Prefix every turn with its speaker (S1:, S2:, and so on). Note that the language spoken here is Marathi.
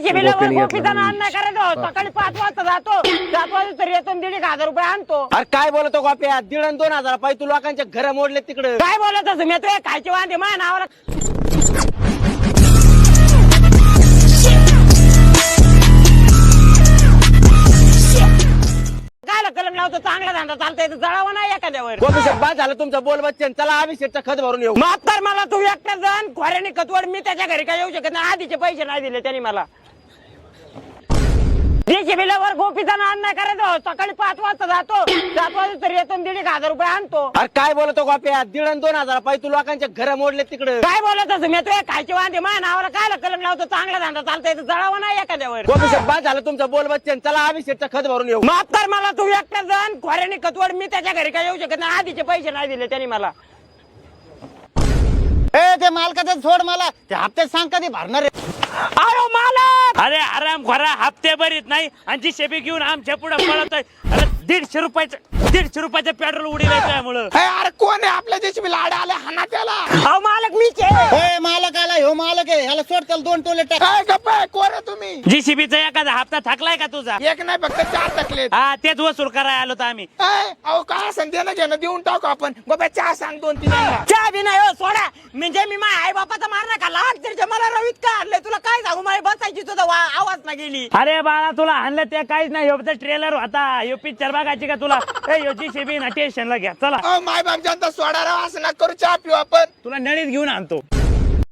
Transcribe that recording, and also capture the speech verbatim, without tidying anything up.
S1: सकाळी पाच वाजता जातो, सात वाजता तरी येतो, दीड एक हजार रुपये आणतो.
S2: अरे काय बोलतो गोप्या, दीड आणि दोन हजार पाहिजे तू लोकांच्या घर मोडले तिकडे.
S1: काय बोलत असं मी तुझ्या खायचे वांदे माझ्या नावाला. काय कलम लावतो, चांगला धंदा चालतोय जळावा नाही एखाद्यावर.
S2: गोपीसाहेब बाद झालं तुमचं बोल बच्चन, चला अभिषेकचं खत भरून येऊ.
S1: माफ कर मला, तू एकटा जण खोऱ्याने खतवड, मी त्याच्या घरी काय येऊ शकत नाही. आधीचे पैसे नाही दिले त्यांनी मला. बिलावर गोपीचा अन्याय करायचो, सकाळी पाच वाजता जातो, सात वाजता तरी येतो, दीड एक हजार रुपये आणतो.
S2: अरे काय बोलतो गोप्या, दीड आणि दोन हजार पाहिजे तू लोकांच्या घर मोडले तिकडे.
S1: काय बोलत असं मी तुझ्या खायचे वांदे माझ्या नावाला काय कलम लावतो, चांगला धंदा चालतोय जळावा नाही एखाद्यावर.
S2: गोपीसाहेब बाद झालं तुमचं बोल बच्चन, चला अभिषेकचं खत भरून येऊ.
S1: माफ कर मला, तू एकटा जण खोऱ्याने खतवड, मी त्याच्या घरी काय येऊ शकत नाही. आधीचे पैसे नाही दिले त्यांनी मला.
S3: ए ते मालकाचं सोड, मला ते हप्ते सांग कधी भरणार आहे.
S1: अरे मालक,
S4: अरे आराम खोरा हप्ते भरीत नाही आणि जी शेबी घेऊन आमच्या पुढे पळतोय. अरे दीडशे रुपयाचं दीडशे रुपयाचं पेट्रोल उडीला त्यामुळं.
S5: अरे कोण आहे आपल्या देशी लाड आले हाना त्याला.
S1: अहो मालक मीच आहे.
S3: ए मालक आला, ह्यो मालक आहे, ह्याला सोड, त्याला दोन टोले टाक.
S5: काय गप्प आहे, कोण आहे तुम्ही?
S4: जी शेबीचा एखादा हप्ता थकलाय का तुझा?
S5: एक नाही फक्त चार टाकले.
S4: हा तेच वसूल करायला आलो तर आम्ही.
S5: अहो काय असं देणं घेणं देऊन टाकू आपण. गोप्या चहा सांग दोन तीन जणांना.
S1: चहा बी नाही हो, सोडा. म्हणजे मी माझ्या आई बापाचा मार नका लाग तरी मला रवीत का आणलंय, तुला काय सांगू, माझी बसायची तुझा आवाज ना गेली.
S4: अरे बाळा तुला आणलं ते काहीच नाही, ह्यो ट्रेलर होता, ह्यो पिक्चर बघायची का तुला? ए ह्यो जी शेबी ना स्टेशनला घ्या चला.
S5: अहो माय बाप जनता सोडा राव, असं ना करू, चहा पिऊ आपण.
S4: तुला नळीत घेऊन आणतो.